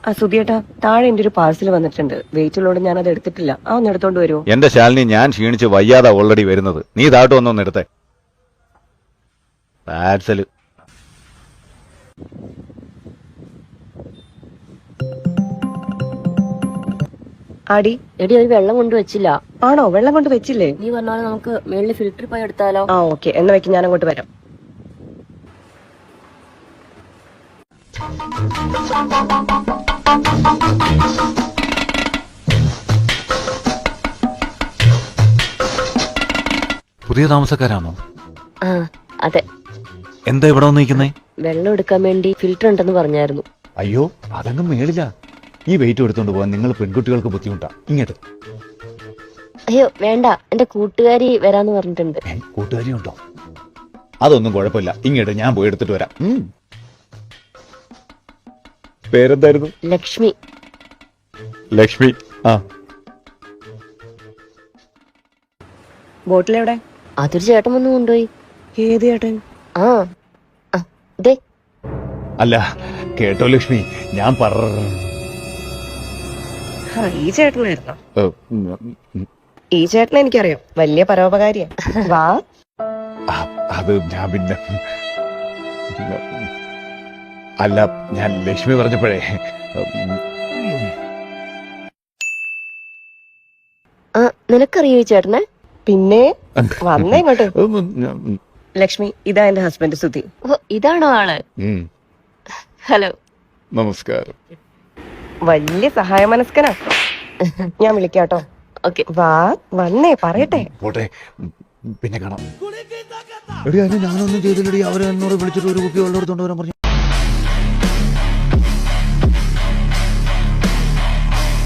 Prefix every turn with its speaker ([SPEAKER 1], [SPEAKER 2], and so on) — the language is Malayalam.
[SPEAKER 1] സുധിയേട്ടാ, താഴെ എന്റെ ഒരു പാഴ്സൽ വന്നിട്ടുണ്ട്. വെയിറ്റ് ഉള്ളോട് ഞാൻ അത് എടുത്തിട്ടില്ല. ഒന്ന് എടുത്തോണ്ട് വരുമോ?
[SPEAKER 2] എന്റെ ശാലിനി, ഞാൻ ക്ഷീണിച്ച് വയ്യാതെ ഓൾറെഡി വരുന്നത്. നീ താട്ട് വന്നൊന്ന് എടുത്തേ. പാഴ്സല്.
[SPEAKER 1] ആടി
[SPEAKER 3] എടി ഒരു വെള്ളം കൊണ്ട് വെച്ചില്ല.
[SPEAKER 1] ആണോ? വെള്ളം കൊണ്ട് വെച്ചില്ലേ?
[SPEAKER 3] നീ പറഞ്ഞാൽ നമുക്ക് മേളിൽ ഫിൽറ്റർ പോയി എടുത്താലോ?
[SPEAKER 1] ഓക്കെ, എന്നാ വെക്ക്, ഞാൻ അങ്ങോട്ട് വരാം.
[SPEAKER 2] പുതിയ താമസക്കാരാണോ?
[SPEAKER 3] ആ അതെ.
[SPEAKER 2] എന്താ ഇവിടെ വന്ന് നിൽക്കുന്നേ?
[SPEAKER 3] വെള്ളം എടുക്കാൻ വേണ്ടി ഫിൽറ്റർ ഉണ്ടെന്ന് പറഞ്ഞായിരുന്നു.
[SPEAKER 2] അയ്യോ, അതങ്ങ് മേളില്ല. ഈ വെയിറ്റ് എടുത്തോണ്ട് പോകാൻ നിങ്ങൾ പെൺകുട്ടികൾക്ക് ബുദ്ധിമുട്ടാ. ഇങ്ങോട്ട്.
[SPEAKER 3] അയ്യോ വേണ്ട, എന്റെ കൂട്ടുകാരി വരാന്ന് പറഞ്ഞിട്ടുണ്ട്.
[SPEAKER 2] കൂട്ടുകാരി ഉണ്ടോ? അതൊന്നും കുഴപ്പമില്ല. ഇങ്ങോട്ട്, ഞാൻ പോയി എടുത്തിട്ട് വരാം. പേരെന്തായിരുന്നു?
[SPEAKER 3] ലക്ഷ്മി.
[SPEAKER 2] ലക്ഷ്മി. ആ,
[SPEAKER 1] ബോട്ടിൽ എവിടെ?
[SPEAKER 3] അതൊരു ചേട്ടൻ വന്ന് കൊണ്ടുപോയി.
[SPEAKER 1] ഏത് ചേട്ടൻ?
[SPEAKER 3] ആ ദേ.
[SPEAKER 2] അല്ല കേട്ടോ ലക്ഷ്മി, ഞാൻ
[SPEAKER 1] ഈ ചേട്ടനായിരുന്നോ? ഈ ചേട്ടനെ എനിക്കറിയാം, വലിയ പരോപകാരിയാ. വാ.
[SPEAKER 2] അത് ഞാൻ പിന്നെ അല്ല, ഞാൻ ലക്ഷ്മി പറഞ്ഞപ്പോഴേ.
[SPEAKER 3] ആ നിനക്കറിയോ ഈ ചേട്ടനെ?
[SPEAKER 1] പിന്നെ വന്നേ ഇങ്ങോട്ട്. ലക്ഷ്മി, ഇതാ എന്റെ ഹസ്ബൻഡ് സുധി.
[SPEAKER 3] ഓ ഇതാണോ ആള്? ഹലോ.
[SPEAKER 2] നമസ്കാരം.
[SPEAKER 1] വലിയ സഹായ മനസ്കനാ. ഞാൻ വിളിക്കാട്ടോ.
[SPEAKER 3] ഓക്കെ.
[SPEAKER 1] വാ, വന്നേ, പറയട്ടെ.
[SPEAKER 2] പോട്ടെ, പിന്നെ കാണാം. ഞാനൊന്നും ചെയ്തില്ലടി. അവരെ എന്നോട് വിളിച്ചിട്ട് ഒരു കുപ്പി വെള്ളം എടുത്തോണ്ട് വരാൻ പറഞ്ഞു.